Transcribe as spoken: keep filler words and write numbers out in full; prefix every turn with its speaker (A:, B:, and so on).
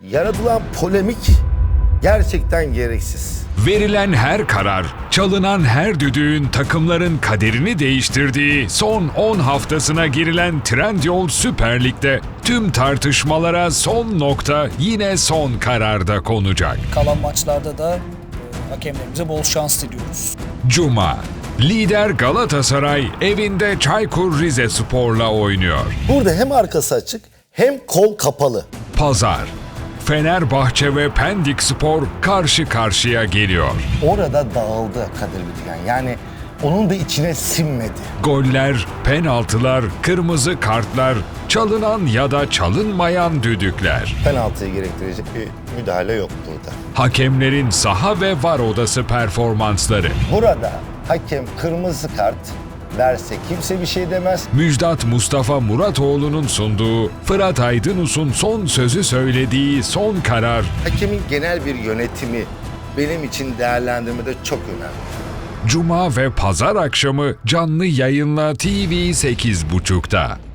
A: Yaratılan polemik gerçekten gereksiz.
B: Verilen her karar, çalınan her düdüğün takımların kaderini değiştirdiği son on haftasına girilen Trendyol Süper Lig'de tüm tartışmalara son nokta yine son kararda konacak.
C: Kalan maçlarda da e, hakemlerimize bol şans diliyoruz.
B: Cuma, lider Galatasaray evinde Çaykur Rizespor'la oynuyor.
A: Burada hem arkası açık hem kol kapalı.
B: Pazar, Fenerbahçe ve Pendikspor karşı karşıya geliyor.
A: Orada dağıldı Kadir Bitigen. Yani onun da içine sinmedi.
B: Goller, penaltılar, kırmızı kartlar, çalınan ya da çalınmayan düdükler.
A: Penaltıyı gerektirecek bir müdahale yok burada.
B: Hakemlerin saha ve var odası performansları.
A: Burada hakem kırmızı kart verse kimse bir şey demez.
B: Müjdat Mustafa Muratoğlu'nun sunduğu, Fırat Aydınus'un son sözü söylediği son karar.
A: Hakemin genel bir yönetimi benim için değerlendirmede çok önemli.
B: Cuma ve pazar akşamı canlı yayınla T V sekiz buçukta.